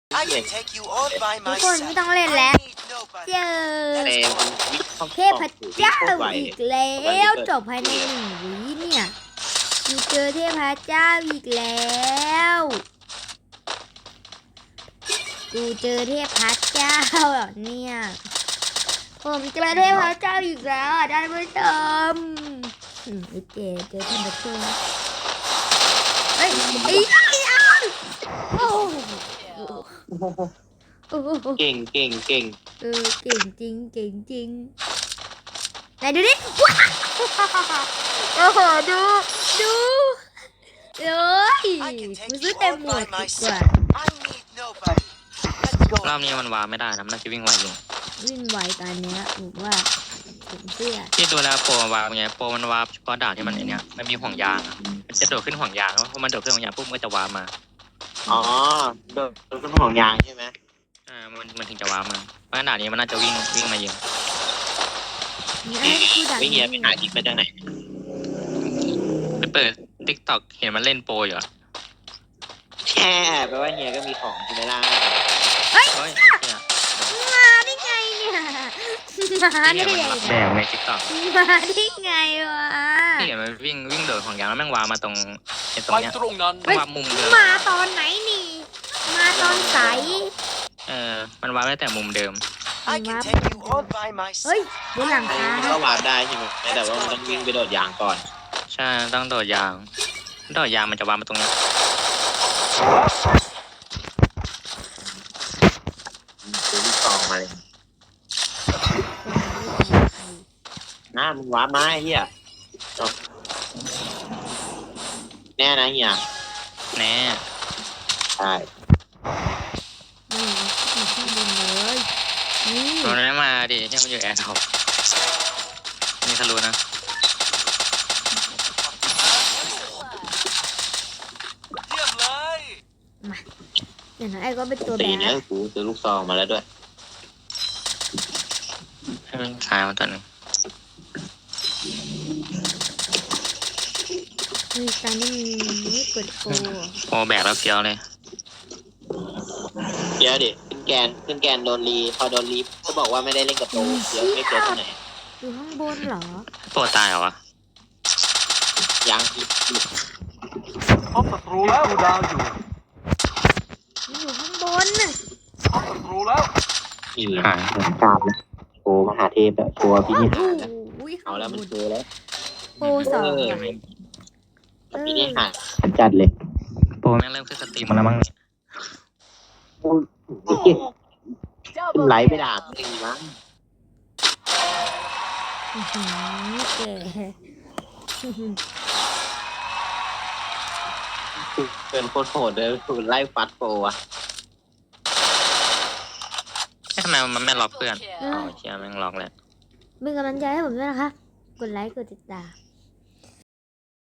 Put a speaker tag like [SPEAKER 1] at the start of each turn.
[SPEAKER 1] I can take you all by
[SPEAKER 2] ทุกคนไม่
[SPEAKER 1] myself.
[SPEAKER 2] ต้องเล่นแล้ว
[SPEAKER 1] I need nobody.
[SPEAKER 2] เจอ
[SPEAKER 3] แต่มันวิ่งเข้า
[SPEAKER 2] เทพเจ้าอีกแล้วจบภายใน1 วิเนี่ยกูเจอเทพเจ้าอีกแล้วกูเจอเทพเจ้าเหรอเนี่ยผมเจอเทพเจ้าอีกแล้วท่านผู้ชมไอ้เจ๊เจอท่านผู้ชมเฮ้ยไอ้ยังโอ้โห
[SPEAKER 3] เก่งเก่งเก่ง
[SPEAKER 2] เก่งจริงเก่งจริงไหนดูดิว้าวโอ้โหดูเอ้ย
[SPEAKER 1] I can
[SPEAKER 2] กู
[SPEAKER 1] take
[SPEAKER 2] ซื้อ
[SPEAKER 1] you
[SPEAKER 2] เต็ม
[SPEAKER 1] all
[SPEAKER 2] หมว
[SPEAKER 1] by
[SPEAKER 2] ดดีกว่า
[SPEAKER 1] myself. I need nobody. Let's go.
[SPEAKER 4] รอบนี้มันวาไม่ได้นะมันน่าจะวิ่งไวอยู่
[SPEAKER 2] วิ่งไวตอนเนี้ยผมว่าผมเชื่อ
[SPEAKER 4] ที่ดูแลโปรวาไงโปรมันวาเฉพาะด่านที่มันไอเนี้ยมันมีห่วงยางอะมันจะโดดขึ้นห่วงยางแล้วพอมันโดดขึ้นห่วงยางปุ๊บมันก็จะวามา
[SPEAKER 3] อ๋อโดนต้นห่วงยางใช่ไหม
[SPEAKER 4] มันถึงจะวามาเพราะฉะนั้นด่านนี้มันน่าจะวิ่งมายิง
[SPEAKER 2] นี่ไอ้กูดัก
[SPEAKER 3] ไม่เฮียไปหาทิปมาจากไหน
[SPEAKER 4] ไปเปิดทิกตอกเห็นมันเล่นโปรอยู่อะ
[SPEAKER 3] แช่แปลว่าเฮียก็มีของใช่ไหมล่ะ
[SPEAKER 4] เฮ้ยเนี่ย
[SPEAKER 2] มาได้ไงเนี่ยมาได้ไง
[SPEAKER 4] แดงในทิกตอก
[SPEAKER 2] มาได้ไงวะ
[SPEAKER 4] ที่เห็นมันวิ่งโดดห่วงยางแล้วแม่งวามาตรงไอ้ตรง
[SPEAKER 5] ไป
[SPEAKER 4] เนี้ย
[SPEAKER 5] ตรงนั้น
[SPEAKER 4] วามุมเดิม
[SPEAKER 2] มาตอนไหนนี่มาตอนใส
[SPEAKER 4] มันวาได้แต่มุมเดิม
[SPEAKER 1] I can take you all by
[SPEAKER 2] เฮ้ย
[SPEAKER 1] myself.
[SPEAKER 2] บนหลังคา
[SPEAKER 3] มันก็วาร์ปได้ใช่ไหมแต่ว่ามันต้องวิ่งไปโดดยางก่อน
[SPEAKER 4] ใช่ต้องโดดยางมันจะวามาตรงเนี้ย
[SPEAKER 3] ซื้อลูกซองมาเลยนะมึงวาร์ปมาไอ้เฮียจบแน่นะเฮีย
[SPEAKER 4] แน่
[SPEAKER 3] ใช่
[SPEAKER 2] นี่อยู่ข้างบนเลยนี่
[SPEAKER 4] มันไม่มาดิเนี่ยมันอยู่แอร์ท็อปนี่ทะลุนะ
[SPEAKER 1] เยี่ยมเลย
[SPEAKER 2] อย่างนั้นไอ้ก็เป็นตัว
[SPEAKER 3] ตี
[SPEAKER 2] แบ
[SPEAKER 3] เนี่ย
[SPEAKER 2] บ
[SPEAKER 3] กูซื้อลูกซองมาแล้วด้วย
[SPEAKER 4] ให้มันขายมาตัวหนึง
[SPEAKER 2] มีการนี่มีกดโก
[SPEAKER 4] โอแบกแล้วเฟี้ยวเลย
[SPEAKER 3] เดี๋ยวดิขึ้นแกนโดนรีพอโดนรีก็บอกว่าไม่ได้เล่นกับโตเดี๋ยวไม่เจอที่ไหน
[SPEAKER 2] อยู่ข้างบนเหรอ
[SPEAKER 4] โปรตายเหรอวะ
[SPEAKER 3] ยังอีก
[SPEAKER 5] พบศัตรูแล้วดูดาวอยู่
[SPEAKER 2] มันอยู่ข้างบนน่ะ
[SPEAKER 5] พบศัตรูแล้ว
[SPEAKER 3] อีกหาตามแล้วโอ้มหาเทพอะตัวพินิหารนะ
[SPEAKER 2] โอ้ย
[SPEAKER 3] เอาแล้วมันเจอแล้ว
[SPEAKER 2] โปรสอง
[SPEAKER 3] เออ
[SPEAKER 2] ว่ะ
[SPEAKER 3] พินิหารจัดเลย
[SPEAKER 4] โปรแม่งเริ่มขึ้นสตรีมมาแล้วมั้งเนี่ย
[SPEAKER 3] ไหลไปด่ามึงเองมั้ง
[SPEAKER 2] อื้อหือแก่
[SPEAKER 3] เป็นโคตรโหดเลยไล่ฟัดโปรอะ
[SPEAKER 4] ทำไมมันไม่ล็อกเพื่อนอ๋อเชียแม่งล็อกแล้ว
[SPEAKER 2] เป็นกำลังใจให้ผมด้วยนะคะ กดไลค์ กดติดตาม